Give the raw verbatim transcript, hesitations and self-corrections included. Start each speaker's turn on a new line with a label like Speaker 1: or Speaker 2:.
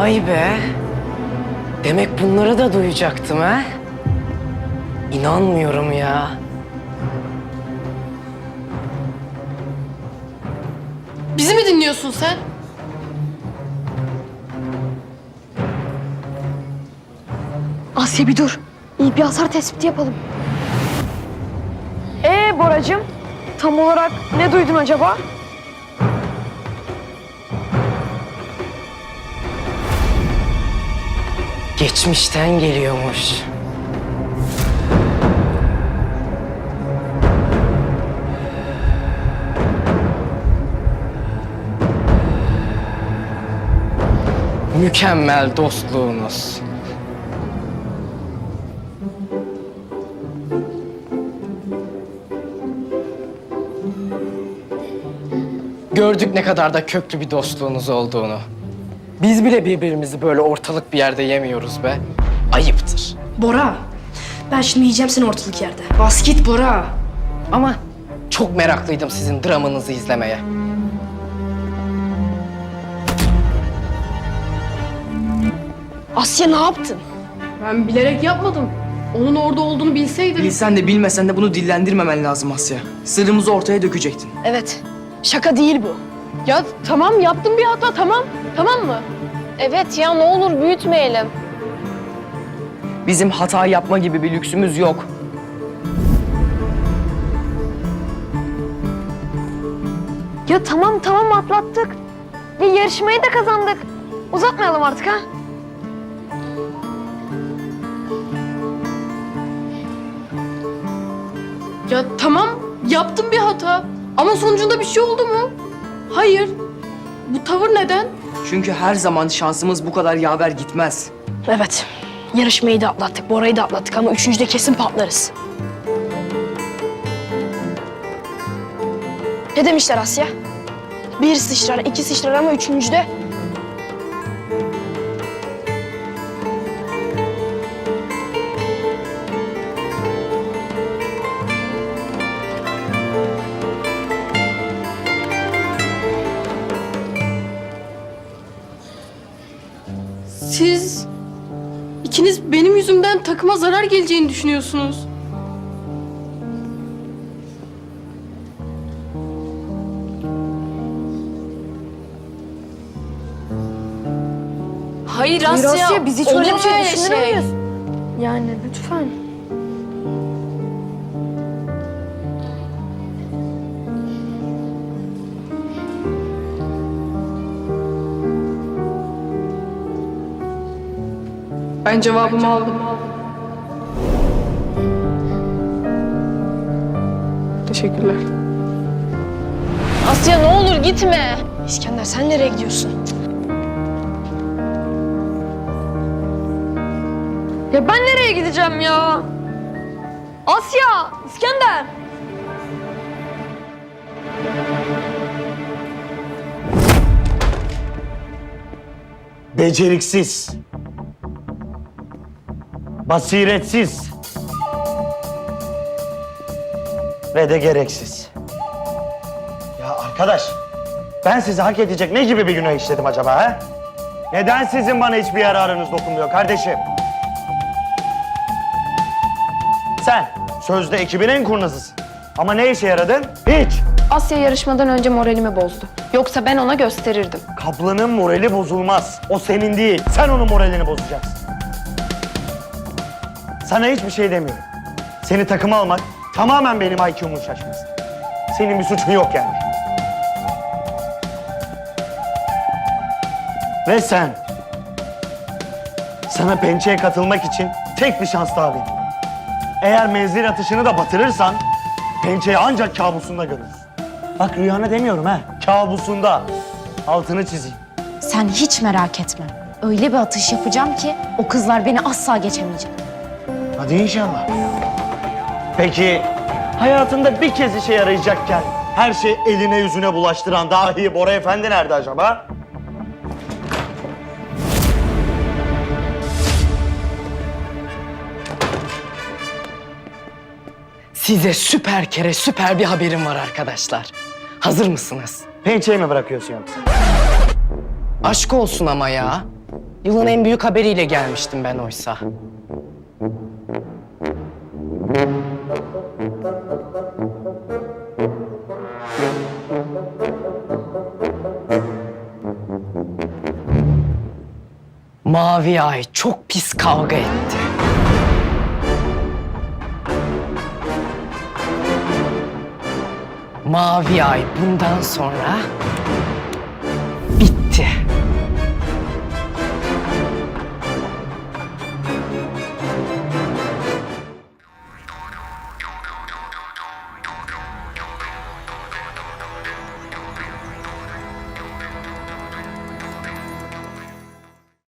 Speaker 1: Vay be. Demek bunları da duyacaktım ha? İnanmıyorum ya.
Speaker 2: Bizi mi dinliyorsun sen?
Speaker 3: Asya bir dur. İyi bir hasar tespiti yapalım. Ee Boracığım, tam olarak ne duydun acaba?
Speaker 1: Geçmişten geliyormuş. Mükemmel dostluğunuz. Gördük ne kadar da köklü bir dostluğunuz olduğunu. Biz bile birbirimizi böyle ortalık bir yerde yemiyoruz be. Ayıptır.
Speaker 4: Bora, ben şimdi yiyeceğim seni ortalık yerde. Bas git Bora.
Speaker 1: Ama çok meraklıydım sizin dramınızı izlemeye.
Speaker 3: Asya ne yaptın?
Speaker 2: Ben bilerek yapmadım. Onun orada olduğunu bilseydim.
Speaker 5: Bilsen de bilmesen de bunu dillendirmemen lazım Asya. Sırrımızı ortaya dökecektin.
Speaker 3: Evet, şaka değil bu.
Speaker 2: Ya tamam yaptım bir hata tamam. Tamam mı?
Speaker 6: Evet ya ne olur büyütmeyelim.
Speaker 5: Bizim hata yapma gibi bir lüksümüz yok.
Speaker 3: Ya tamam tamam atlattık. Ve yarışmayı da kazandık. Uzatmayalım artık ha.
Speaker 2: Ya tamam yaptım bir hata. Ama sonucunda bir şey oldu mu? Hayır. Bu tavır neden?
Speaker 5: Çünkü her zaman şansımız bu kadar yaver gitmez.
Speaker 4: Evet, yarışmayı da atlattık, Bora'yı da atlattık ama üçüncüde kesin patlarız. Ne demişler Asya? Bir sıçrar, iki sıçrar ama üçüncüde...
Speaker 2: Siz ikiniz benim yüzümden takıma zarar geleceğini düşünüyorsunuz.
Speaker 6: Hayır
Speaker 3: Hayır
Speaker 6: Asya,
Speaker 3: Asya, biz hiç
Speaker 6: olur
Speaker 3: öyle bir şey
Speaker 6: mu
Speaker 3: düşünür müyüz? Yani lütfen.
Speaker 2: Ben cevabımı aldım. Teşekkürler.
Speaker 6: Asya ne olur gitme.
Speaker 4: İskender sen nereye gidiyorsun?
Speaker 3: Ya ben nereye gideceğim ya? Asya, İskender.
Speaker 7: Beceriksiz, basiretsiz ve de gereksiz. Ya arkadaş, ben sizi hak edecek ne gibi bir günah işledim acaba ha? Neden sizin bana hiçbir yararınız dokunmuyor kardeşim? Sen sözde ekibin en kurnazısın. Ama ne işe yaradın? Hiç.
Speaker 6: Asya yarışmadan önce moralimi bozdu. Yoksa ben ona gösterirdim.
Speaker 7: Kaplanın morali bozulmaz. O senin değil. Sen onun moralini bozacaksın. Sana hiçbir şey demiyorum. Seni takıma almak tamamen benim I Q'mun şaşması. Senin bir suçun yok yani. Ve sen... Sana pençeye katılmak için tek bir şans daha veriyorum. Eğer menzil atışını da batırırsan... Pençeyi ancak kabusunda görürsün. Bak rüyana demiyorum ha. Kabusunda. Altını çizeyim.
Speaker 8: Sen hiç merak etme. Öyle bir atış yapacağım ki o kızlar beni asla geçemeyecek.
Speaker 7: Hadi inşallah. Peki hayatında bir kez işe yarayacakken her şey eline yüzüne bulaştıran dahi Bora Efendi nerede acaba?
Speaker 1: Size süper kere süper bir haberim var arkadaşlar. Hazır mısınız?
Speaker 7: Pençeyi mi bırakıyorsun yoksa?
Speaker 1: Aşk olsun ama ya. Yılın en büyük haberiyle gelmiştim ben oysa. Mavi Ay çok pis kavga etti. Mavi Ay bundan sonra